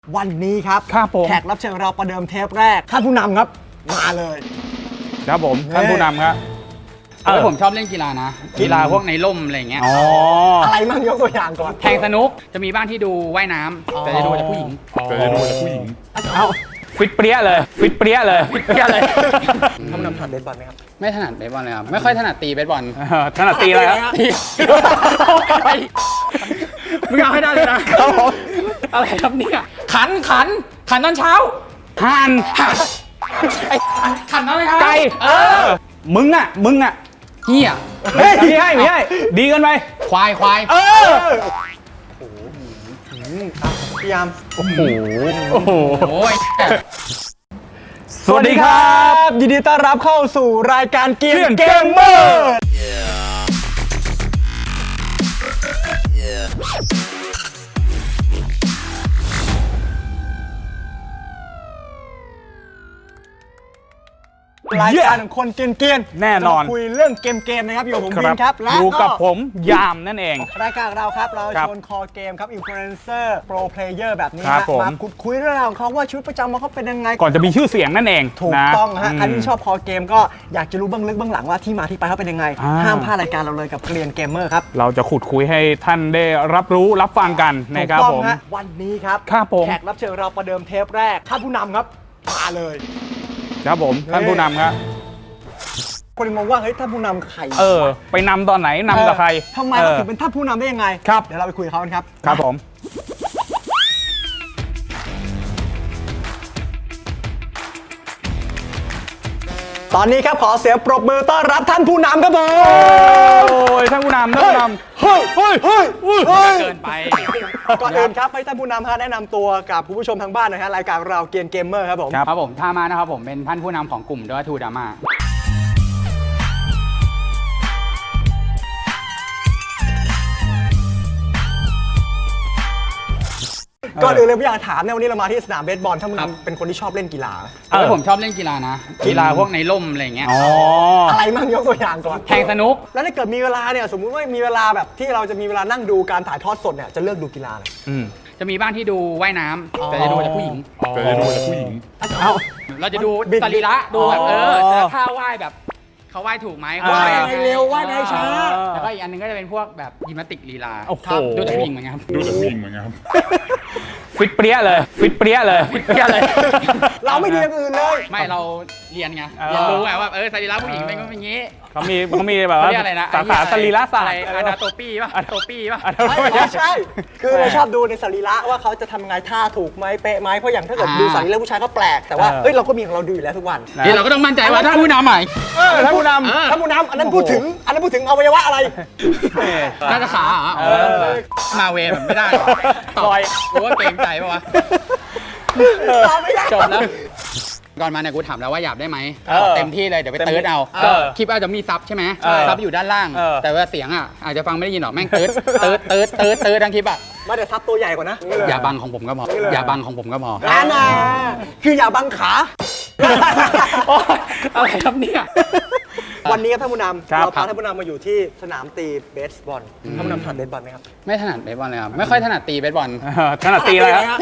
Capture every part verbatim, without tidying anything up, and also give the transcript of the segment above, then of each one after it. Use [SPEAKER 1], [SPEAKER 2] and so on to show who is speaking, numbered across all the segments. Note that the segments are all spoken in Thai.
[SPEAKER 1] วันนี้ครับ
[SPEAKER 2] ครับผม
[SPEAKER 1] แขกรับเชิญเราประเดิมเทปแรกท่านผู้นำครับมาเลย
[SPEAKER 2] ครับผมท่านผู้นำครับ
[SPEAKER 3] เออผมชอบเล่นกีฬานะกีฬาพวกในร่มอะไรเงี้ย
[SPEAKER 2] อ๋อ
[SPEAKER 1] อะไรมั่งยกตัวอย่างก่อน
[SPEAKER 3] แทงสนุกจะมีบ้านที่ดูว่ายน้ำแต่จะดูแต่ผู้หญิง
[SPEAKER 2] แต่จะดูแต่ผู้หญิงเอาฟิตเปรี้ยเลยฟิตเปรี้ยเลยฟิตเปรี้ยเลย
[SPEAKER 1] ท่านผู้นำถนัดเบสบอลไหมครับ
[SPEAKER 3] ไม่ถนัดเบสบอลเลยครับไม่ค่อยถนัดตีเบสบอล
[SPEAKER 2] ถนัดตีอะไรครับ
[SPEAKER 3] มึงเอาให้ได้เลยนะอะไรครับเนี่ยขันขันขันตอนเช้า
[SPEAKER 2] ห่าน
[SPEAKER 3] ไอ้ขันตอนเช้า
[SPEAKER 2] ไก่เออมึงอ่ะมึงอ่ะ
[SPEAKER 3] เฮีย
[SPEAKER 2] พี่ให้พี่ให้ดีกันไป
[SPEAKER 3] ควายควาย
[SPEAKER 2] เออ
[SPEAKER 1] พี่ยาม
[SPEAKER 2] โอ้โหโอ้โห
[SPEAKER 1] สวัสดีครับยินดีต้อนรับเข้าสู่รายการเกียร์เกมเมอร์รายการของคนเกรียน
[SPEAKER 2] ๆแน่นอน
[SPEAKER 1] คุยเรื่องเกมเกมนะครับอยู่กับผมวินครับ
[SPEAKER 2] และอยู่กับผมยามนั่นเอง
[SPEAKER 1] รายการเราครับเราชวนคอเกมครับอินฟลูเอนเซอร์โปรเพลเยอร์แบบนี้มาคุยคุยเรื่องราวของเขาว่าชีวิตประจำวันเขาเป็นยังไง
[SPEAKER 2] ก่อนจะมีชื่อเสียงนั่นเอง
[SPEAKER 1] ถูกต้องฮะใครที่ชอบคอเกมก็อยากจะรู้เบื้องลึกเบื้องหลังว่าที่มาที่ไปเขาเป็นยังไงห้ามพลาดรายการเราเลยกับเกรียนเกมเมอร์ครับ
[SPEAKER 2] เราจะขุดคุยให้ท่านได้รับรู้รับฟังกันนะครับผม
[SPEAKER 1] วันนี้ครับแขกรับเชิญเราประเดิมเทปแรกท่านผู้นำครับมาเลย
[SPEAKER 2] ครับผมท่านผู้นำครับ
[SPEAKER 1] คนงงว่าเฮ้ยท่านผู้นำใคร
[SPEAKER 2] เออไปนำตอนไหนนำกับใคร
[SPEAKER 1] ทำไมเขาถึงเป็นท่านผู้นำได้ยังไง
[SPEAKER 2] ครับ
[SPEAKER 1] เดี๋ยวเราไปคุยกับเขากันครับ
[SPEAKER 2] ครับผม
[SPEAKER 1] ตอนนี้ครับขอเสียงปรบมือต้อนรับท่านผู้นำครับผม
[SPEAKER 2] โอ้ยท่านผู้นำท่านผู้นำ
[SPEAKER 1] เฮ้ยเฮ้ยเฮ้ยเฮ้ย
[SPEAKER 3] เกินไป
[SPEAKER 1] ก่อนอื่นครับให้ท่านผู้นำฮะแนะนำตัวกับผู้ชมทางบ้านนะฮะรายการเราเกียร์เกมเมอร์ครับผม
[SPEAKER 3] ครับผมท่ามานะครับผมเป็นท่านผู้นำของกลุ่มด้วยทูดาม่า
[SPEAKER 1] ก่อนอื่นเลยพี่อยากถามเนี่ยวันนี้เรามาที่สนามเบสบอลท่านผู้นำเป็นคนที่ชอบเล่นกีฬา
[SPEAKER 3] เออผมชอบเล่นกีฬานะกีฬาพวกในร่มอะไรเงี้ย
[SPEAKER 2] อ๋อ
[SPEAKER 1] อะไรมั่งยกตัวอย่างก่อน
[SPEAKER 3] แทงสนุก
[SPEAKER 1] แล้วถ้าเกิดมีเวลาเนี่ยสมมุติว่ามีเวลาแบบที่เราจะมีเวลานั่งดูการถ่ายทอดสดเนี่ยจะเลือกดูกีฬาอะไร
[SPEAKER 3] จะมีบ้านที่ดูว่ายน้ำแต่จะดูแต่ผู้หญิง
[SPEAKER 2] แต่จะดูแต่ผู้หญิง
[SPEAKER 3] เอาเราจะดูสรีระดูแบบเออท่าว่ายแบบเขาว่ายถูกไหม
[SPEAKER 1] ว่ายในเร็วว่ายในช้า
[SPEAKER 3] แล้วก็อีกอันนึงก็จะเป็นพวกแบบยิมนาสติกลีลา
[SPEAKER 2] ดู
[SPEAKER 3] แต่ผู้หญิงเหมือนกัน
[SPEAKER 2] ดูแต่ผู้หญิงเหมือนกันฟิตเปรี้ยเลยฟิตเปรี้ยเลยฟิตเปรี้ยเลย
[SPEAKER 1] เราไม่ดีอย่างอื่นเลย
[SPEAKER 3] ไม่เราเรียนไงเรียนรู้ไงว่าเออสรีระผู้หญิงเป็นอย่างนี้
[SPEAKER 2] เขามีเขามีแบบว่าสาขาสรีระศาสตร์
[SPEAKER 3] อะนาโตปี้ป่ะอะนาโตปี้ป่ะ
[SPEAKER 1] ไม่ใช่คือเราชอบดูในสรีระว่าเขาจะทำไงท่าถูกไหมเป๊ะไหมเพราะอย่างถ้าเกิดดูสรีระผู้ชายก็แปลกแต่ว่าเฮ้ยเราก็มีของเราดูอยู่แล้วทุกวัน
[SPEAKER 3] นี่เราก็ต้องมั่นใจว่าถ้าผู้นำใหม่
[SPEAKER 1] ถ้าผู้นำถ้าผู้นำอันนั้นพูดถึงอันนั้นพูดถึงอวัยวะอะไร
[SPEAKER 3] น่าจะขาเหรอมาเวแบบไม่ได้ต่อยรู้ว่าเกรงใจป่ะวะจบแล้วก่อนมาเนี่ยกูถามแล้วว่าหยาบได้ไหมเต็มที่เลยเดี๋ยวไปเติร์ดเอาคลิปอาจจะมีซับใช่ไหมซับอยู่ด้านล่างแต่ว่าเสียงอ่ะอาจจะฟังไม่ได้ยินหรอกแม่งเติร์ดเติร์ดเติร์ดเติร์ดเติร์ดทั้งคลิปอ่ะ
[SPEAKER 1] มาเดี๋ยวซับตัวใหญ่กว่านะ
[SPEAKER 3] อย่าบังของผมก็พออย่าบังของผมก็พอ
[SPEAKER 1] นั่นน่ะคืออย่าบังขา
[SPEAKER 3] อะไรครับเนี่ย
[SPEAKER 1] วันนี้ท่านผู้นำเราพาท่านผู้นำมาอยู่ที่สนามตีเบสบอลท่านผู้นำถนัดเบสบอลไหมครับ
[SPEAKER 3] ไม่ถนัดเบสบอลเลยครับไม่ค่อยถนัดตีเบสบอล
[SPEAKER 2] ถนัดตีอะไรครับ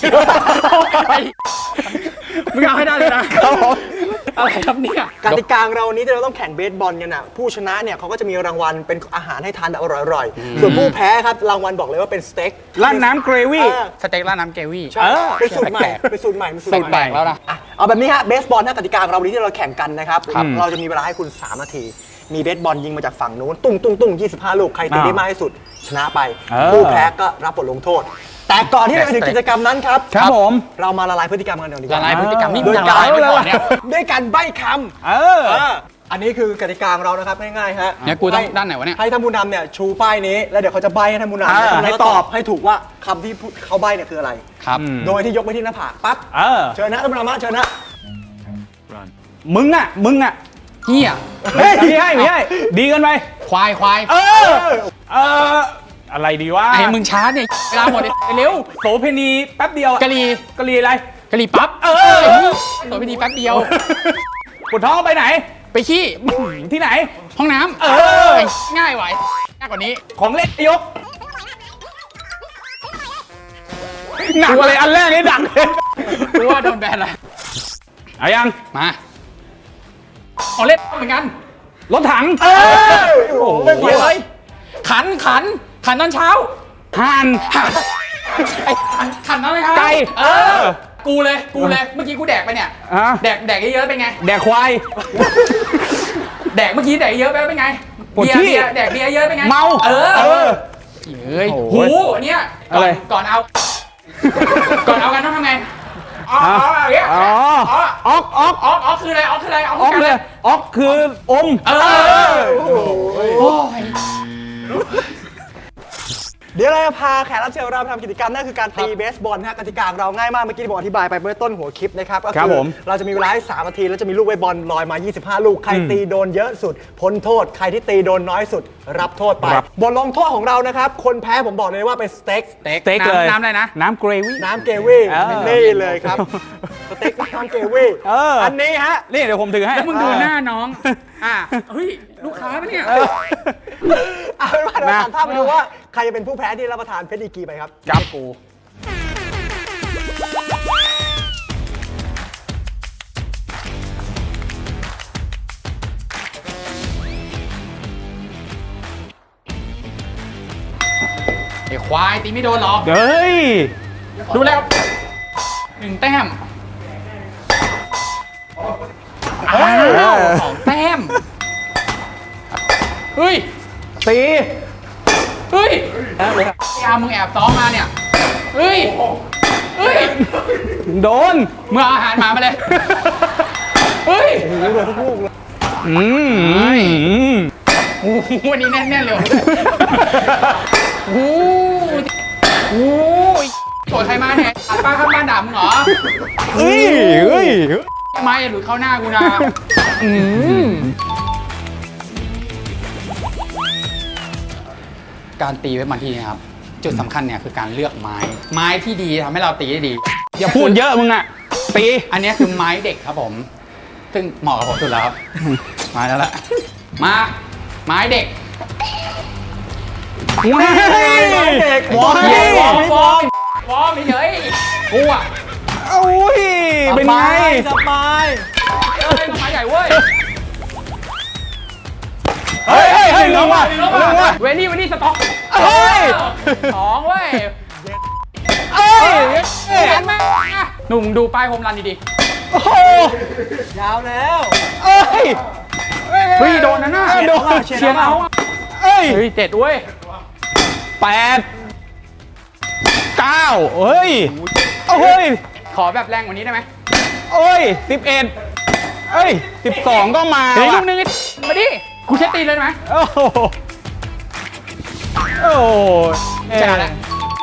[SPEAKER 3] มึงเอาให้ได้เลยนะอะไรครับเนี่ย
[SPEAKER 1] กติกาเรานี้ที่เราต้องแข่งเบสบอลกันน่ะผู้ชนะเนี่ยเขาก็จะมีรางวัลเป็นอาหารให้ทานแบบอร่อยๆส่วนผู้แพ้ครับรางวัลบอกเลยว่าเป็นสเต็ก
[SPEAKER 2] ราดน้ำเกรวี่
[SPEAKER 3] สเต็กราดน้ำเกรวี่
[SPEAKER 1] ใช่เป็นสูตรใหม่เป็นสูตรใหม่เป็น
[SPEAKER 3] สูตรใหม่แล้วนะ
[SPEAKER 1] เอาแบบนี้ฮะเบสบอลถ้ากติกาเราวันนี้ที่เราแข่งกันนะครับเราจะมีเวลาให้คุณสามนาทีมีเบสบอลยิงมาจากฝั่งนู้นตุ้งตุ้งตุ้งยี่สิบห้าลูกใครตีได้มากที่สุดชนะไปผู้แพ้ก็รับบทลงโทษแต่ก่อนที่จะไปถึงกิจกรรมนั้นครับ
[SPEAKER 2] ครับผม
[SPEAKER 1] เรามาละลายพฤติกรรมกันเดี๋ยวดีกว่า
[SPEAKER 3] ละลายพฤติกรรมนี่ละลายไปก่อนเนี่ย
[SPEAKER 1] ด้วยการใบ้คำ
[SPEAKER 2] เออ
[SPEAKER 1] อันนี้คือกติกาของเรานะครับง่ายๆฮะ
[SPEAKER 3] เนี่ยกูต้องด้านไหนวะเนี่ย
[SPEAKER 1] ให้ท่านผู้นำเนี่ยชูป้ายนี้แล้วเดี๋ยวเขาจะใบ้ให้ท่านผู้นำให้ตอบให้ถูกว่าคำที่เขาใบ้เนี่ยคืออะไร
[SPEAKER 3] ครับ
[SPEAKER 1] โดยที่ยกไปที่หน้าผากปั๊บเชิญนะท่านผู้นำมาเชิญนะ
[SPEAKER 2] มึงอ่ะมึงอ่ะ
[SPEAKER 3] เฮีย
[SPEAKER 2] พี่ให้พี่ให้ดีกันไป
[SPEAKER 3] ควายควาย
[SPEAKER 2] เออเอออะไรดีวะ
[SPEAKER 3] ไอ้มึงช้าเนี่ยเวลาหมดเร็ว
[SPEAKER 2] โสเพณีแป๊บเดียว
[SPEAKER 3] กะลี
[SPEAKER 2] กะลีอะไร
[SPEAKER 3] กะลีปั๊บ
[SPEAKER 2] เออ
[SPEAKER 3] โสเพณีแป๊บเดียว
[SPEAKER 2] ปวดท้องไปไหน
[SPEAKER 3] ไปขี้
[SPEAKER 2] ที่ไหน
[SPEAKER 3] ห้องน้ำเออง่ายไหวง่ายกว่านี้
[SPEAKER 2] ของเล่นยกหนักเลยอันแรกนี่ดักเลย
[SPEAKER 3] กูว่าโดนแบนละ
[SPEAKER 2] เอายัง
[SPEAKER 3] มาเอาเล่นเหมือนกัน
[SPEAKER 2] รถถัง
[SPEAKER 1] เอ้ยโอ้โหไม่ไหว
[SPEAKER 3] เดี๋ยว
[SPEAKER 1] เล
[SPEAKER 3] เลย ยขันขันขันตอนเช้า
[SPEAKER 2] ห่าน
[SPEAKER 3] ไอ้ขันขันตอนเช้า
[SPEAKER 2] ไก่
[SPEAKER 3] เออ กูเลยกูเลยเมื่อกี้กูแดกไปเนี่ย
[SPEAKER 2] อ่ะ
[SPEAKER 3] แดกแดกเยอะๆเป็นไง
[SPEAKER 2] แดกควาย
[SPEAKER 3] แดกเมื่อกี้แดกเยอะไปเป็นไง
[SPEAKER 2] ปวด
[SPEAKER 3] เบียร์
[SPEAKER 2] ขี้
[SPEAKER 3] เบียร์แดกเบียร์เยอะเป็นไง
[SPEAKER 2] เมา
[SPEAKER 3] เออ
[SPEAKER 2] เออ
[SPEAKER 3] เฮ้ย
[SPEAKER 2] โอ้
[SPEAKER 3] หู
[SPEAKER 2] โห
[SPEAKER 3] อันเนี้ย
[SPEAKER 2] อะ
[SPEAKER 3] ก่อ
[SPEAKER 2] ไร
[SPEAKER 3] นก่อนเอา ก่อนเอากันต้องทำไงอ๋ออ๋ออย่างเงี้ย
[SPEAKER 2] อ๋อ
[SPEAKER 3] อ๋อ
[SPEAKER 2] ออกออก
[SPEAKER 3] อ๋ออ๋อคืออะไรอ๋อคืออะไรอ๋อ
[SPEAKER 2] ออกเลยออกคืออม
[SPEAKER 3] เออโอ้ย
[SPEAKER 1] เดี๋ยวเราจะพาแขกรับเชิญของเราไปทำกิจกรรมนั่นคือการตีเบสบอลนะฮะกติกาของเราง่ายมากเมื่อกี้ที่ผมอธิบายไปเมื่อต้นหัวคลิปนะครับก็
[SPEAKER 2] ครับ
[SPEAKER 1] คื
[SPEAKER 2] ผม
[SPEAKER 1] เราจะมีเวลาให้สามนาทีแล้วจะมีลูกเบสบอลลอยมายี่สิบห้าลูกใครตีโดนเยอะสุดพ้นโทษใครที่ตีโดนน้อยสุดรับโทษไปบทลงโทษของเรานะครับคนแพ้ผมบอกเลยว่าเป็นสเต็ก
[SPEAKER 3] สเต็ก
[SPEAKER 2] สเต็กเลย
[SPEAKER 3] น้ำน้ำอะไรนะ
[SPEAKER 2] น้ำเกรวี่
[SPEAKER 1] น้ำเกวี่
[SPEAKER 2] เออ
[SPEAKER 1] นี่เลยครับสเต็กน้ำเกวี่
[SPEAKER 2] เอออั
[SPEAKER 1] อันนี้ฮะ
[SPEAKER 2] นี่เดี๋ยวผมถือให้
[SPEAKER 3] แล้วมึงดูหน้าน้อง อ่ะเฮ้ย ลูกค้าปะเนี่ย
[SPEAKER 1] เอาเป็นว่าเรา
[SPEAKER 2] นะ
[SPEAKER 1] ตัดภาพไปดูว่าใครจะเป็นผู้แพ้ที่รับประทานเพชรดีกรีไปครับ
[SPEAKER 2] จับกู
[SPEAKER 3] ไอ้ควายตีไม่โดนหรอก
[SPEAKER 2] เฮ้ย
[SPEAKER 3] ดูแล้วหนึ่งแต้มอ้าวสองแต้ม เฮ้ย
[SPEAKER 2] ตี
[SPEAKER 3] เฮ้ยไอ้อามึงแอบซ้อมมาเนี่ย เฮ้ย เฮ้ย
[SPEAKER 2] โดน
[SPEAKER 3] เมื่ออาหารหมามาเลย เฮ้ย
[SPEAKER 2] อืม
[SPEAKER 3] โอ้โหวันนี้แน่นๆเลยว่ะโอ้โหโอ้ยโกรธใครมาเนี่ยอาป้าข้างบ้านด่ามึงเหรอ
[SPEAKER 2] เฮ้ยเฮ้ย
[SPEAKER 3] ทำไมอย่าหลุดเข้าหน้ากูนะอืมการตีไว้บางทีนะครับ จุดสำคัญเนี่ยคือการเลือกไม้ ไม้ที่ดีทำให้เราตีได้ดี
[SPEAKER 2] อย่าพูดเยอะมึงอะตี
[SPEAKER 3] อันนี้คือไม้เด็กครับผม ซึ่งเหมาะกับผมสุดแล้วครับ มาแล้วล่ะ มา ไม้เด็ก
[SPEAKER 2] ว้าย
[SPEAKER 1] เด็ก
[SPEAKER 2] ว้า
[SPEAKER 3] เย้ยว อร์มวอร์มวอร์มเฉยๆกูอ่ะ
[SPEAKER 2] โอ้ยเป็นไง
[SPEAKER 1] สบาย
[SPEAKER 3] เอ้ยไม้ใหญ่เว้ย
[SPEAKER 2] เฮ้ยเฮ้ยเฮ้ยลงว่ะลงว่ะ
[SPEAKER 3] เวลี่เวลี่สต็อก
[SPEAKER 2] เฮ้ย
[SPEAKER 3] สองเว้ย
[SPEAKER 2] เอ้ย
[SPEAKER 3] เห็นไหมอ่ะหนุ่มดูป้ายโฮมรันดี
[SPEAKER 2] โอ้โห
[SPEAKER 1] ยาวแล้ว
[SPEAKER 2] เอ้ย
[SPEAKER 3] ๆเฮ้ยโดนนะน่ะ
[SPEAKER 2] โดน
[SPEAKER 3] เชียร์เอาอ่ะ
[SPEAKER 2] เอ้ย
[SPEAKER 3] เฮ้ยเจ็ดเว้ย
[SPEAKER 2] แปดเก้าเฮ้ยโอ้ย
[SPEAKER 3] ขอแบบแรงกว่านี้ได้ไหม
[SPEAKER 2] โอ้ยสิบเอ็ดเอ้ยสิบสองก็มา
[SPEAKER 3] เฮ้ยลู
[SPEAKER 2] ว่ะ
[SPEAKER 3] กนึงมาดิกูเช็ดตีนเลยได้ไหม
[SPEAKER 2] โอ้โหโอ้โห
[SPEAKER 3] ชนะแล้ว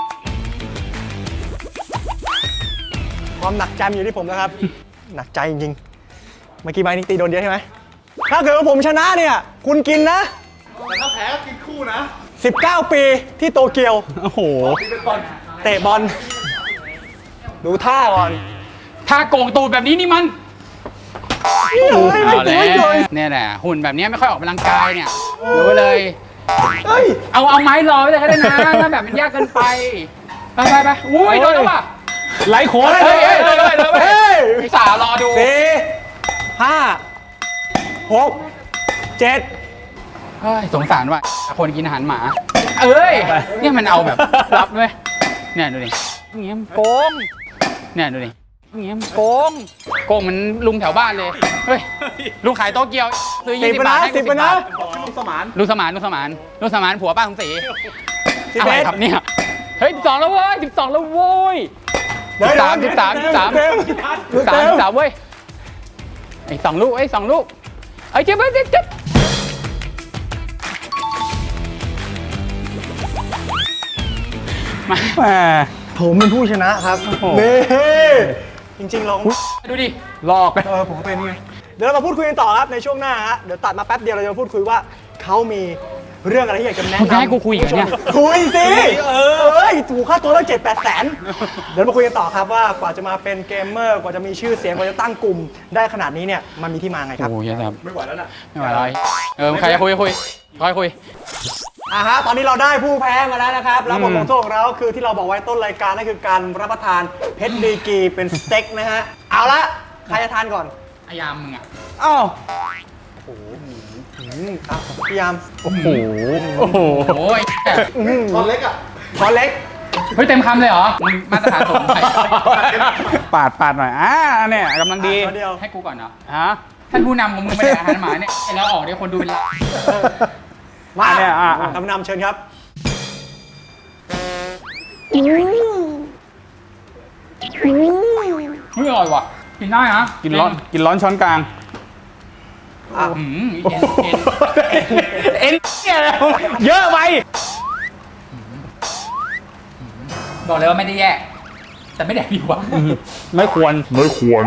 [SPEAKER 1] ความหนักใจมันอยู่ที่ผมนะครับ หนักใจจริงๆ เมื่อกี้ไม้นิกตีโดนเยอะใช่ไหม ถ้าเกิดว่าผมชนะเนี่ย คุณกินนะ แต่ถ้าแพ้ก็กินคู่นะ สิบเก้า ปีที่โตเกียว
[SPEAKER 2] โอ้โห
[SPEAKER 1] เตะบอล ดูท่าก่อน
[SPEAKER 3] ถ้าโกงตูดแบบนี้นี่มัน
[SPEAKER 1] ไม่
[SPEAKER 3] เอา
[SPEAKER 1] ไม่
[SPEAKER 3] แล้ว
[SPEAKER 1] ไม่เลย
[SPEAKER 3] เนี่ยแหละหุ่นแบบนี้ไม่ค่อยออกกำลังกายเนี่ยรู้เลย
[SPEAKER 1] เฮ้ย
[SPEAKER 3] เอาเอาไม้รอไว้เลยก็ได้นะถ้าแบบมันยากเกินไป ไปไปไปอุ้ยโดนแล้วว่ะ
[SPEAKER 2] ไลฟ์โค้ด
[SPEAKER 3] เฮ้ยเฮ้ยเลยเลยเลย
[SPEAKER 1] เฮ้ย
[SPEAKER 3] อุตส่าห์รอดู
[SPEAKER 1] สี่ห้าหกเจ็ด
[SPEAKER 3] เฮ้ยสงสารว่ะคนกินอาหารหมา เอ้ยเนี่ยมันเอาแบบรับด้วยเนี่ยดูดิเงี้ยมันโกงเนี่ยดูดิเงี้ยมันโกงโกงมันลุงแถวบ้านเลยเฮ้ยลุงขายโตเกียวซื้อ
[SPEAKER 1] สิ
[SPEAKER 3] ยี่
[SPEAKER 1] บ
[SPEAKER 3] สิบ
[SPEAKER 1] ไป
[SPEAKER 3] บา
[SPEAKER 1] นะ
[SPEAKER 3] ทให้
[SPEAKER 1] สิ
[SPEAKER 3] กู
[SPEAKER 1] บ
[SPEAKER 3] สิ
[SPEAKER 1] ไป
[SPEAKER 3] บบา
[SPEAKER 1] นะ
[SPEAKER 3] ทลุงสมานลุงสมานลุงสมานผัวป้าสมศรี
[SPEAKER 1] สิบ
[SPEAKER 3] อะไร
[SPEAKER 1] เอ็ด
[SPEAKER 3] ครับเนี่ยเฮ้ยสิบสองแล้วเว้ยสิบสองแล้วโว้ย
[SPEAKER 1] เดี๋ยว
[SPEAKER 3] สามสิบสามสิบสาม
[SPEAKER 1] เต็ม
[SPEAKER 3] สิบสามสิบสามเว้ยไอ้สองลูกไอ้สองลูกไอ้เจ็บเจ็บเจ็บมา
[SPEAKER 2] แหม
[SPEAKER 1] ผมเป็นผู้ชนะครับ
[SPEAKER 2] โอ้โห
[SPEAKER 1] เน่จริงๆเรา
[SPEAKER 3] ดูดิ
[SPEAKER 2] หลอก
[SPEAKER 1] เออผมก็เป็นไง เดี๋ยวเรามาพูดคุยกันต่อครับในช่วงหน้าฮะ เดี๋ยวตัดมาแป๊บเดียวเราจะมาพูดคุยว่าเขามีเรื่องอะไรที่อยากจะแนะ
[SPEAKER 3] มึงจะ
[SPEAKER 1] นำ
[SPEAKER 3] ให้กูคุยอีกเหรอเนี่ย
[SPEAKER 1] คุยสิ เออเอ้ยถูกค่าตัวตั้งเจ็ดแปดแสน เดี๋ยวมาคุยกันต่อครับว่ากว่าจะมาเป็นเกมเมอร์ กว่าจะมีชื่อเสียง กว่าจะตั้งกลุ่มได้ขนาดนี้เนี่ย มันมีที่มาไงครับ
[SPEAKER 3] โอ้ยครับไม่ไหวแล้วนะไม่ไหวแล้วเออใครจะคุยคุยคอยคุย
[SPEAKER 1] อ่ะฮะตอนนี้เราได้ผู้แพ้มาแล้วนะครับแล้วบทลงโทษของเราคือที่เราบอกไว้ต้นรายการนั่นคือการรับประทานเพชรดีกรีเป็นสเต็กนะฮะเอาละใครจะทานก่อน
[SPEAKER 3] อายามมึงอ่ะ
[SPEAKER 2] อ้าว
[SPEAKER 1] อืมอ่ะพี่ยาม
[SPEAKER 2] โอ้โหโอ้โห
[SPEAKER 3] โอ้ย
[SPEAKER 1] ช้อนเล็กอ่ะช้อนเล็ก
[SPEAKER 3] เฮ้ยเต็มคำเลยเหรอมึงมาตรฐานสูงไป
[SPEAKER 2] ปาดปาดหน่อยอ่าเนี่ยกำลังดี
[SPEAKER 1] ช้อนเดียว
[SPEAKER 3] ให้กูก่อนเนาะ
[SPEAKER 2] ฮะ
[SPEAKER 3] ท่านผู้นำของมึงไม่ได้อาหารหมาเนี่ยแล้วออกเดี๋ยวคนดูเป็นล้าน
[SPEAKER 1] มา
[SPEAKER 2] เนี่ยอ่ะอ่ะ
[SPEAKER 1] ทำนำเชิญครับ
[SPEAKER 3] เฮ้ยอร่อยว่ะกินได้นะ
[SPEAKER 2] กินร้อนกินร้อนช้อนกลาง
[SPEAKER 1] อ่ะ
[SPEAKER 3] อืมเอ็นเอ็น
[SPEAKER 2] เอ็นเนี่ยเยอะไป
[SPEAKER 3] บอกเลยว่าไม่ได้แย่ แต่ไม่แดกดีกว่า
[SPEAKER 2] ไม่ควร
[SPEAKER 4] ไม่ควร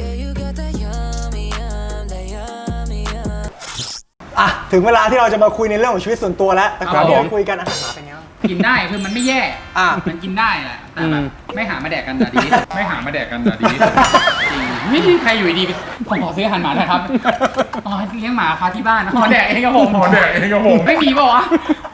[SPEAKER 1] อ่ะถึงเวลาที่เราจะมาคุยในเรื่องของชีวิตส่วนตัวแล้วแต่ก่อน
[SPEAKER 3] ครับ
[SPEAKER 1] ที่
[SPEAKER 3] ผม
[SPEAKER 1] จะคุยกันอาหารหมาเป็นไงบ้าง
[SPEAKER 3] กินได้คือมันไม่แย่
[SPEAKER 1] อ่ะ
[SPEAKER 3] มันกินได้แหละแต่แบบ
[SPEAKER 2] อืม
[SPEAKER 3] ไม่หามาแดกกันแต่ดี ไม่หามาแดกกันแต่ดีจริงไม่มีใครอยู่ดีๆผมขอซื้ออาหารหมาหนะครับอ๋อเลี้ยงหมาค่ะที่บ้านขอแดกเองครับผมขอแดกเองครับผมไม่มีป่าวะ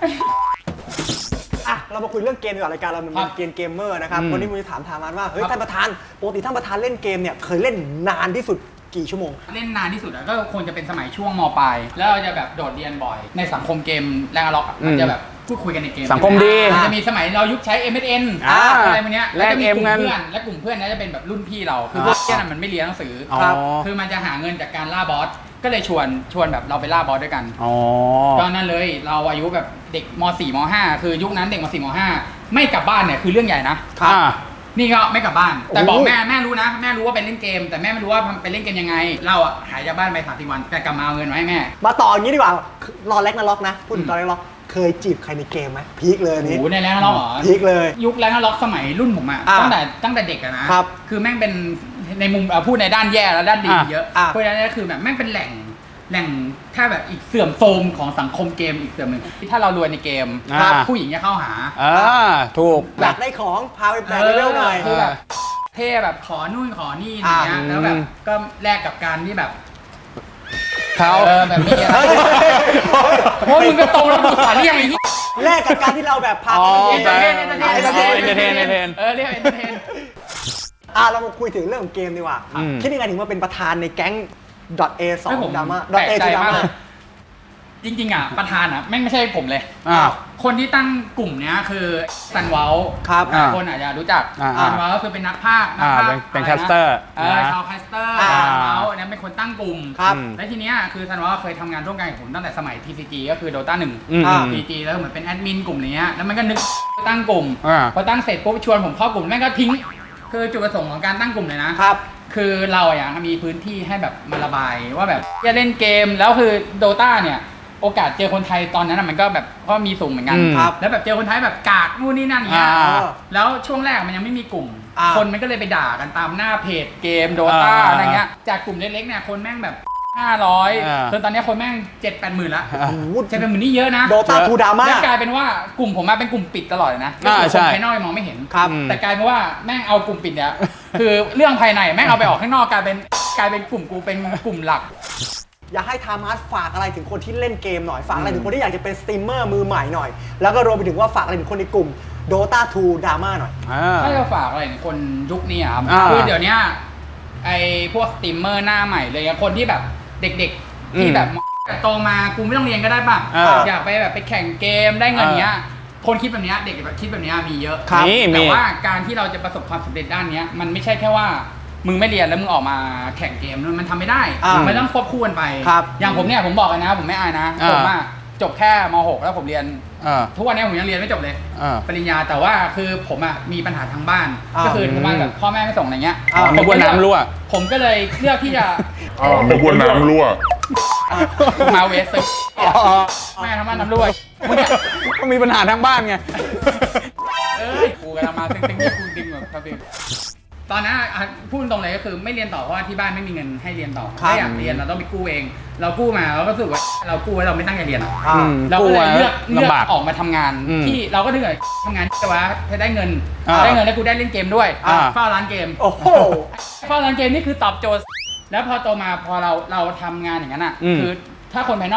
[SPEAKER 1] อ่ะเรามาคุยเรื่องเกมดีกว่ารายการเรามัน
[SPEAKER 3] ครั
[SPEAKER 1] เป็
[SPEAKER 3] บ
[SPEAKER 1] นเกมเกมเมอร์นะครับ
[SPEAKER 2] อืม
[SPEAKER 1] วันนี้ผมจะถามทางร้านว่าเฮ้ย
[SPEAKER 3] ครับ
[SPEAKER 1] ท่านประธานปกติท่านประธานเล่นเกมเนี่ยเคยเล่นนานที่สุดกี่ชั่วโมง
[SPEAKER 3] เล่นนานที่สุดอะก็คงจะเป็นสมัยช่วงมปลายแล้วเราจะแบบโดดเรียนบ่อย ในสังคมเกมแรงอะล็อกอะมันจะแบบพูดคุยกันในเกม
[SPEAKER 2] สังคมดี
[SPEAKER 3] มันจะมีสมัยเรายุคใช้ เอ็ม เอส เอ็น
[SPEAKER 2] อ่า
[SPEAKER 3] อะไรพวกเนี้ย
[SPEAKER 2] แลก
[SPEAKER 3] จะมีกลุ่
[SPEAKER 2] เอ็มกัน
[SPEAKER 3] เพื่อนและกลุ่มเพื่อนนั้นจะเป็นแบบรุ่นพี่เราคือพวกเพื่อนอะมันไม่เรียนหนังสืออ
[SPEAKER 2] อ๋อ
[SPEAKER 1] ครับ
[SPEAKER 3] คือมันจะหาเงินจากการล่าบอสก็เลยชวนชวนแบบเราไปล่าบอสด้วยกัน
[SPEAKER 2] อ๋อ
[SPEAKER 3] ก็นั่นเลยเราอายุแบบเด็กม .สี่ ม .ห้า คือยุคนั้นเด็กม .สี่ ม .ห้า ไม่กลับบ้านเนี่ยคือเรื่องใหญ่นะ
[SPEAKER 2] อ่า
[SPEAKER 3] นี่ก็ไม่กลับบ้าน แต่
[SPEAKER 1] โอ้
[SPEAKER 3] บอกแม่แม่รู้นะ แม่รู้ว่าไปเล่นเกม แต่แม่ไม่รู้ว่าไปเล่นเกมยังไง เราอะหายจากบ้านไปสามสี่วันแต่กลับมาเอาเงินมาให้แม่
[SPEAKER 1] มาต่ออย่างนี้ดีกว่ารอแล็กนาล็อกนะพูดถึงตอนแล็กนาล็อกเคยจีบใครในเกมไหมพีคเลยอัน
[SPEAKER 3] โอ้
[SPEAKER 1] นี้
[SPEAKER 3] โหในแรงล็อกเหรอ
[SPEAKER 1] พีคเลย
[SPEAKER 3] ยุคแรงล็อกสมัยรุ่นผมอะ
[SPEAKER 1] อ่ะ
[SPEAKER 3] ตั้งแต่ตั้งแต่เด็กอะนะครับ คือแม่งเป็นในมุมเอาพูดในด้านแย่แล้วด้านดี
[SPEAKER 2] อ่ะ
[SPEAKER 3] เยอะ
[SPEAKER 1] อ่ะ
[SPEAKER 3] เพราะฉะนั้นก็คือแบบแม่งเป็นแหล่งแหล่งถ้าแบบอีกเสื่อมโทรมของสังคมเกมอีกเสื่อมหนึ่งถ้าเรารวยในเกม
[SPEAKER 2] อ่า
[SPEAKER 3] ผู้หญิงจะเข้าหา
[SPEAKER 2] อ่าถูก
[SPEAKER 1] อยากได้ของพาไปแบกเลเวลหน่อย
[SPEAKER 3] คือแบบเท่แบบขอนู่นขอนี่อย่างเงี้ย
[SPEAKER 2] อ่า
[SPEAKER 3] แล้วแบบก็แลกกับการที่แบบ
[SPEAKER 2] เขา
[SPEAKER 3] เออแบบนี้อะไร
[SPEAKER 1] เฮ้ย
[SPEAKER 3] เพราะมึงก็โตแล้วมึงขาเรียกไอ้ที่
[SPEAKER 1] แลกกับการที่เราแบบพา
[SPEAKER 2] อ๋อ
[SPEAKER 1] ไปเกม
[SPEAKER 3] เอนเตอร์เทนเอนเตอร์เทน
[SPEAKER 2] เอนเตอร์เทนเอนเตอร์เทน
[SPEAKER 3] เออเรียกเอนเตอร์เทน
[SPEAKER 1] อ่ะเรามาคุยถึงเรื่องของเกมดีกว่า
[SPEAKER 2] อืม
[SPEAKER 1] คิดยังไงถึงมาเป็นประธานในแก๊ง .a สอ
[SPEAKER 3] ให้
[SPEAKER 1] ง
[SPEAKER 3] ผม
[SPEAKER 1] ดราม่า
[SPEAKER 3] แปลก
[SPEAKER 1] .a
[SPEAKER 3] ใจ
[SPEAKER 1] ดราม
[SPEAKER 3] าก
[SPEAKER 1] ม่า
[SPEAKER 3] เลยจริงๆอ่ะประธานอ่ะแม่งไม่ใช่ผมเลย
[SPEAKER 2] อ่า
[SPEAKER 3] คนที่ตั้งกลุ่มเนี้ยคือซันเวล
[SPEAKER 1] ครับ
[SPEAKER 2] อ่า
[SPEAKER 3] คนอาจจะรู้จัก
[SPEAKER 2] อ่า
[SPEAKER 3] ซันเวลก็คือเป็นนักพากย์นัก
[SPEAKER 2] อ่า
[SPEAKER 3] พาก
[SPEAKER 2] เป็น
[SPEAKER 3] ย์
[SPEAKER 2] เป็น
[SPEAKER 3] ะ
[SPEAKER 2] แค
[SPEAKER 3] ไะ
[SPEAKER 2] สเตอร์
[SPEAKER 3] เออ
[SPEAKER 2] นะ
[SPEAKER 3] ชาวแคสเตอร์
[SPEAKER 1] อ่า
[SPEAKER 3] ซันเวลเนี่ยเป็นคนตั้งกลุ่ม
[SPEAKER 1] ครับ
[SPEAKER 2] อืม
[SPEAKER 3] และทีเนี้ยคือซันเวลเคยทำงานร่วมกันกับผมตั้งแต่สมัย ที ซี จี ก็คือ Dota หนึ่ง
[SPEAKER 2] อืม
[SPEAKER 1] อ่า
[SPEAKER 3] ที ซี จี แล้วเหมือนเป็นแอดมินกลุ่มเนี้ยแล้วมันก็นึกตั้งกลุ่ม
[SPEAKER 2] อ่า
[SPEAKER 3] พอตั้งเสร็จปุ๊บชวนผมเข้ากลุ่มแม่งก็ทิ้ง คือจุดประสงค์ของการตั้งกลุ่มเลยนะ
[SPEAKER 1] ครับ
[SPEAKER 3] คือเราอยากมีพื้นที่ให้แบบมาระบายว่าแบบจะเล่นเกมแล้วคือ Dota เนี่ยโอกาสเจอคนไทยตอนนั้นนะมันก็แบบก็มีสูงเหมือนกัน
[SPEAKER 2] อืม
[SPEAKER 1] ครับ
[SPEAKER 3] แล้วแบบเจอคนไทยแบบกากนู่นนี่นั่นอย่างเงี้ย
[SPEAKER 2] อ่า
[SPEAKER 3] แล้วช่วงแรกมันยังไม่มีกลุ่ม
[SPEAKER 1] อ่า
[SPEAKER 3] คนมันก็เลยไปด่ากันตามหน้าเพจเกม Dota
[SPEAKER 2] อ่า
[SPEAKER 3] อะไรเงี้ยจากกลุ่มเล็กๆเนี่ยคนแม่งแบบห้าร้อย
[SPEAKER 2] อ่า
[SPEAKER 3] จนตอนนี้คนแม่งเจ็ดแปดหมื่นละ
[SPEAKER 2] อ่า
[SPEAKER 1] โอ้โห
[SPEAKER 3] เจ็ดแปดหมื่นนี่เยอะนะ
[SPEAKER 1] โดตาทูดราม่า
[SPEAKER 3] แล้วกลายเป็นว่ากลุ่มผมมาเป็นกลุ่มปิดตลอดเลยนะ
[SPEAKER 2] อ่า
[SPEAKER 3] ก็คือ
[SPEAKER 2] ใช่
[SPEAKER 3] คนภายนอกยังมองไม่เห็น
[SPEAKER 1] ครับ
[SPEAKER 3] แต่กลายเป็นว่าแม่งเอากลุ่มปิดเนี่ย คือเรื่องภายในแม่งเอาไปออกข้างนอกกลายเป็นกลายเป็นกลุ่มกูเป็นกลุ่มหลัก
[SPEAKER 1] อยากให้ทามัสฝากอะไรถึงคนที่เล่นเกมหน่อย ฝากอะไรถึงคนที่อยากจะเป็นสตรีมเมอร์มือใหม่หน่อย แล้วก็รวมไปถึงว่าฝากอะไรถึงคนในกลุ่ม Dota ทู Drama หน่อย
[SPEAKER 2] อ่า
[SPEAKER 3] ถ้าจะฝากอะไรถึงคนยุคนี้อะครับ
[SPEAKER 2] อ่า
[SPEAKER 3] คือเดี๋ยวเนี้ยไอพวกสตรีมเมอร์หน้าใหม่เลยอะคนที่แบบเด็กๆ ที่
[SPEAKER 2] อืม
[SPEAKER 3] แบบโตมากูไม่ต้องเรียนก็ได้ป่ะ
[SPEAKER 2] อ่า
[SPEAKER 3] อยากไปแบบไปแข่งเกมได้เงินเนี้ย คนคิดแบบเนี้ยเด็กแบบคิดแบบเนี้ยมีเยอะ
[SPEAKER 2] ครับมีมี
[SPEAKER 3] แต่ว่าการที่เราจะประสบความสำเร็จด้านเนี้ยมันไม่ใช่แค่ว่ามึงไม่เรียนแล้วมึงออกมาแข่งเกมมันทำไม่ได้
[SPEAKER 1] อ่ามั
[SPEAKER 3] มันต้องควบคู่กันไป
[SPEAKER 1] ครับ
[SPEAKER 3] อย่างผมเนี่ยผมบอกเลยนะ ผมไม่อายนะ
[SPEAKER 2] อ่า
[SPEAKER 3] ผมอะจบแค่ม .หก แล้วผมเรียน
[SPEAKER 2] อ่า
[SPEAKER 3] ทุกวันนี้ผมยังเรียนไม่จบเลย
[SPEAKER 2] อ่า
[SPEAKER 3] ปริญญาแต่ว่าคือผมอ่ะมีปัญหาทางบ้าน
[SPEAKER 1] อ่า
[SPEAKER 3] ก็คือทางบ้านแบบพ่อแม่ไม่ส่งอะไรเงี้ย
[SPEAKER 1] อ่า
[SPEAKER 3] ผม
[SPEAKER 2] นึกว่าน้ำรั่ว
[SPEAKER 3] ผมก็เลยเลือกที่จะ
[SPEAKER 4] อ่านึกว่าน้ำรั่ว
[SPEAKER 3] มาเวสซึแม่ทำบ้านน้ำรั่วมึงเนี่ย
[SPEAKER 2] ก็มีปัญหาทางบ้านไง
[SPEAKER 3] เอ้ยกูกำลังมาตึงๆที่กูดึงแบบครับพี่ตอนนั้นอ่ะพูดตรงเลยก็คือไม่เรียนต่อเพราะว่าที่บ้านไม่มีเงินให้เรียนต่อ
[SPEAKER 1] ครับ
[SPEAKER 3] ถ้าอยากเรียนเราต้องไปกู้เอง เรากู้มาเราก็รู้สึกว่าเรากู้ไว้เราไม่ตั้งใจเรียนอะ
[SPEAKER 1] อ่า
[SPEAKER 2] อืม
[SPEAKER 3] เราก็เลยเลือกเลือก
[SPEAKER 2] ลำบาก
[SPEAKER 3] ออกมาทำงาน
[SPEAKER 2] อืม
[SPEAKER 3] ที่เราก็เลือกทำงานที่ว่าจะได้เงิน
[SPEAKER 2] อ่า
[SPEAKER 3] ได้เงินแล้วกูได้เล่นเกมด้วย
[SPEAKER 2] อ่า
[SPEAKER 3] เฝ้าร้านเกม
[SPEAKER 1] โอ้โห
[SPEAKER 3] เฝ้าร้านเกมนี่คือตอบโจทย์ แล้วพอโตมาพอเราเราทำงานอย่างนั้นอ่ะ
[SPEAKER 2] อืม
[SPEAKER 3] คือถ้าคนภายนอกดู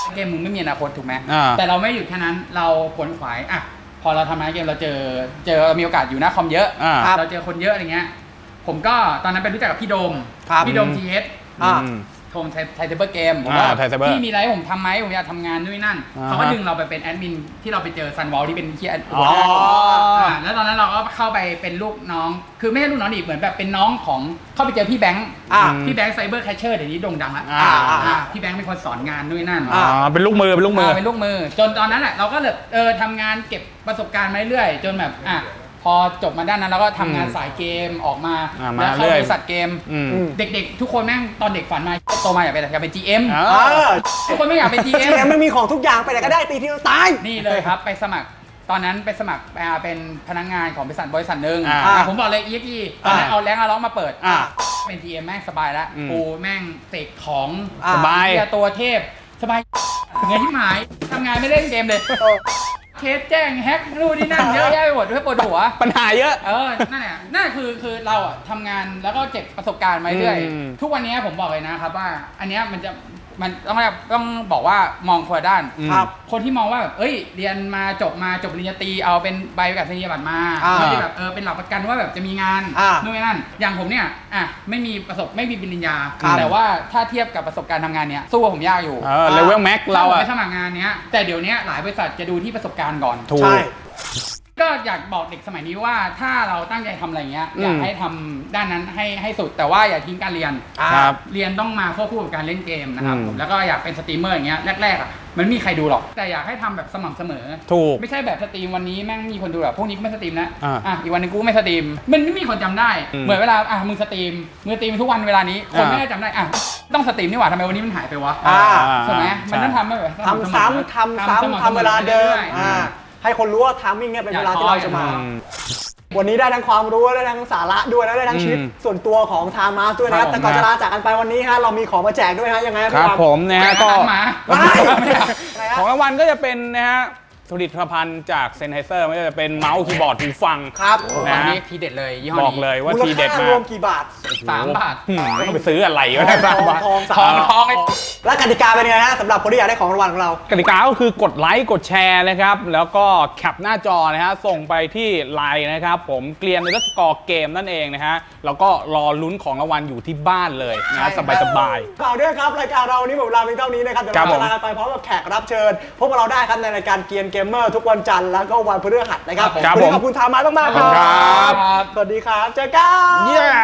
[SPEAKER 3] เกมมึงไม่มีอนาคตถูกไหม
[SPEAKER 2] อ่า
[SPEAKER 3] แต่เราไม่หยุดแค่นั้นเราขวนขวายอ่ะพอเราทำงานเกมเราเจอเจอมีโอกาสอยู่หน้าคอมเยอะ
[SPEAKER 2] อ่า
[SPEAKER 3] เราเจอคนเยอะอะไรเงี้ยผมก็ตอนนั้นไปรู้จักกับพี่โดม
[SPEAKER 1] ครับ
[SPEAKER 3] พี่โดม ที เอส
[SPEAKER 1] อ่า
[SPEAKER 2] อืม
[SPEAKER 3] โทมไทยไทยเซเบอร์เกมผมว่า
[SPEAKER 2] อ่า Thai Cyber
[SPEAKER 3] พี่มีอะไรให้ผมทำไหมผมอยากทำงานด้วยนั่น
[SPEAKER 2] อ่าฮะ
[SPEAKER 3] เขาก็ดึงเราไปเป็นแอดมินที่เราไปเจอซันวอลที่เป็นที่แอด
[SPEAKER 2] อ๋อ
[SPEAKER 3] อ่าแล้วตอนนั้นเราก็เข้าไปเป็นลูกน้อง คือไม่ใช่ลูกน้องดิเหมือนแบบเป็นน้องของเข้าไปเจอพี่แบงค์
[SPEAKER 1] อ่า
[SPEAKER 3] พี่แบงค์ไซเบอร์แคชเชอร์เดี๋ยวนี้โด่งดังแล้ว
[SPEAKER 2] อ่า
[SPEAKER 1] อ่า
[SPEAKER 3] อ่าพี่แบงค์เป็นคนสอนงานด้วยนั่น
[SPEAKER 2] อ่าเป็นลูกมือเป็นลูกมือ
[SPEAKER 3] าเป็นลูกมือ จนตอนนั้นแหละเราก็เลยเออทำงานเก็บประสบการณ์มาเรื่อยๆจนแบบอ่ะพอจบมาด้านนั้นเราก็ทำงาน
[SPEAKER 2] อืม
[SPEAKER 3] สายเกมออกมา
[SPEAKER 2] อ่ามา
[SPEAKER 3] แล้วเข้า
[SPEAKER 2] เรื่อย
[SPEAKER 3] บริษัทเกม
[SPEAKER 2] อืม
[SPEAKER 1] อืม
[SPEAKER 3] เด็กๆ ทุกคนแม่งตอนเด็กฝันมาโตมาอยากเป็นอะไรอยากเป็น จี เอ็ม
[SPEAKER 2] อ่า
[SPEAKER 1] เออ
[SPEAKER 3] ทุกคนไม่อยากเป็น จี
[SPEAKER 1] เก
[SPEAKER 3] เอ็ม
[SPEAKER 1] มมันมีของทุกอย่างไปไหนก็ได้ตีที่เราตาย
[SPEAKER 3] นี่เลยครับ ไปสมัครตอนนั้นไปสมัครอ่าเป็นพนักงานของบริษัทบริษัทหนึ่ง
[SPEAKER 2] อ่า
[SPEAKER 3] อ่าผมบอกเลย อี เอ็กซ์ อี ตอนนั้น
[SPEAKER 2] อ่า
[SPEAKER 3] เอาแรงเอาล็อกมาเปิด
[SPEAKER 2] อ่า
[SPEAKER 3] เป็น จี เอ็ม แม่งสบายแล้ว
[SPEAKER 2] อืม
[SPEAKER 3] กูแม่งเสกของ
[SPEAKER 1] อ่า
[SPEAKER 2] สบาย
[SPEAKER 3] เหี้ตัวเทพสบายเงินที่หมายทำงานไม่เล่นเกมเลย เคสแจ้งแฮกนู่นนี่นั่นเยอะแยะไปหมดด้วยปวดหัว
[SPEAKER 2] ปัญหาเยอะ
[SPEAKER 3] เออ นั่นแหละนั่นคือคือเราอะทำงานแล้วก็เก็บประสบการณ์มาเรื่อย
[SPEAKER 2] อืม
[SPEAKER 3] ทุกวันนี้ผมบอกเลยนะครับว่า อันเนี้ยมันจะมันต้องแบบต้องบอกว่ามองคนละด้าน
[SPEAKER 1] ครับ
[SPEAKER 3] คนที่มองว่าแบบเอ้ย เรียนมาจบมาจบปริญญาตรีเอาเป็นใบประกาศนียบัตรมา
[SPEAKER 1] อ่า
[SPEAKER 3] ไม่ได้แบบเออเป็นหลักประกันว่าแบบจะมีงาน
[SPEAKER 1] อ่า
[SPEAKER 3] นู่นนี่นั่น อย่างผมเนี่ยอ่ะไม่มีประสบไม่มีปริญญา
[SPEAKER 1] ครับ
[SPEAKER 3] แต่ว่าถ้าเทียบกับประสบการณ์ทำงานเนี้ยสู้กับผมยากอยู่
[SPEAKER 2] เออเลเวลแม็กเรา
[SPEAKER 3] ถ้ผม
[SPEAKER 2] อะ
[SPEAKER 3] ไปสมัครงานเนี้ยแต่เดี๋ยวเนี้ยหลายบริษัทจะดูที่ประสบการณ์ก่อน
[SPEAKER 2] ถูก
[SPEAKER 1] ใช่
[SPEAKER 3] ก็อยากบอกเด็กสมัยนี้ว่าถ้าเราตั้งใจทำอะไรเงี้ย
[SPEAKER 2] อืม
[SPEAKER 3] อยากให้ทำด้านนั้นให้ให้สุดแต่ว่าอย่าทิ้งการเรียน
[SPEAKER 1] อ่า
[SPEAKER 2] ครับ
[SPEAKER 3] เรียนต้องมาควบคู่กับการเล่นเกมนะครับ
[SPEAKER 2] อืม
[SPEAKER 3] ผมแล้วก็อยากเป็นสตรีมเมอร์อย่างเงี้ยแรกๆอ่ะมันไม่มีใครดูหรอก แต่อยากให้ทำแบบสม่ำเสมอ
[SPEAKER 2] ถูก
[SPEAKER 3] ไม่ใช่แบบสตรีมวันนี้แม่งมีคนดูแบบพวกนี้ก็ไม่สตรีมนะ
[SPEAKER 2] อ่า
[SPEAKER 3] อ่ะอีกวันหนึงกูก็ไม่สตรีมมันไม่มีคนจำได้
[SPEAKER 2] อืม
[SPEAKER 3] เหมือนเวลาอ่ะมึงสตรีมมึงสตรีมทุกวันเวลานี้คน
[SPEAKER 2] อ่า
[SPEAKER 3] ไม่ได้จำได้อ่ะต้องสตรีมนี่หว่าทำไมวันนี้มันหายไปวะ
[SPEAKER 1] อ่า
[SPEAKER 3] ใช่ไหมมันต้อง
[SPEAKER 2] ใช่
[SPEAKER 3] ทำให้แบบ
[SPEAKER 1] ทำซ้ำทำซ้ำทำเวลาเดิมอ่าให้คนรู้ว่าทามมิ่งเนี่ยเป็นเวลาที่เราจะมา
[SPEAKER 2] อืม
[SPEAKER 1] วันนี้ได้ทั้งความรู้ได้ทั้งสาระด้วยแล้วได้ทั้งชีวิต
[SPEAKER 2] อืม
[SPEAKER 1] ส่วนตัวของทามาสด้วยนะครับ
[SPEAKER 3] ครับผม
[SPEAKER 1] แต่ก่อนจะลาจากกันไปวันนี้ฮะเรามีของมาแจกด้วยฮะยังไง
[SPEAKER 2] ครับผมนะฮะก็
[SPEAKER 3] หมา
[SPEAKER 1] ไม่
[SPEAKER 3] ไม่ได้
[SPEAKER 1] อะไรฮะ
[SPEAKER 2] ของรางวัลก็จะเป็นนะฮะผลิตภัณฑ์จากเซนไฮเซอร์ไม่ว่าจะเป็นเมาส์คีย์บอร์ดหูฟัง
[SPEAKER 1] ครับ
[SPEAKER 2] นะ
[SPEAKER 3] อันนี้ทีเด็ดเลยยี่ห้อนี้
[SPEAKER 2] บอกเลยว่า
[SPEAKER 1] มูล
[SPEAKER 2] ทีเด็ดาก
[SPEAKER 1] ค่ามรวมกี่บาท
[SPEAKER 3] สามบาท
[SPEAKER 2] อืมต้องไปซื้ออะไรวะเนี่ย
[SPEAKER 1] ทอง
[SPEAKER 2] สามบาท
[SPEAKER 1] ทองสาม
[SPEAKER 3] ทองทองไอ้
[SPEAKER 1] และกติกาเป็นยังไงฮะสำหรับคนที่อยากได้ของรางวัลของเรา
[SPEAKER 2] กติกาก็คือกดไลค์กดแชร์นะครับ แล้วก็แคปหน้าจอนะฮะส่งไปที่ไลน์นะครับ ผมเกลียนเลสกอร์เกมนั่นเองนะฮะแล้วก็รอลุ้นของรางวัลอยู่ที่บ้านเลยนะฮะสบายสบาย
[SPEAKER 1] ข่าวด้วยครับรายการเราวันนี้หมดเวลาเพียงเท่านี้นะครับเดี๋ยว
[SPEAKER 2] ครับ
[SPEAKER 1] เรา
[SPEAKER 2] ผม
[SPEAKER 1] ลากันไปพร้อมกับแขกรับเชิญพบกับเราได้ครับในรายการเกียนเกมเมอร์ทุกวันจันทร์แล้วก็วันพฤหัสนะครับ
[SPEAKER 2] ครับ
[SPEAKER 1] วันนี้
[SPEAKER 2] ผม
[SPEAKER 1] ขอบคุณทามาสมากๆ
[SPEAKER 2] ขอบคุณครับ
[SPEAKER 1] สวัสดีครับเจอกัน
[SPEAKER 2] ๆเย้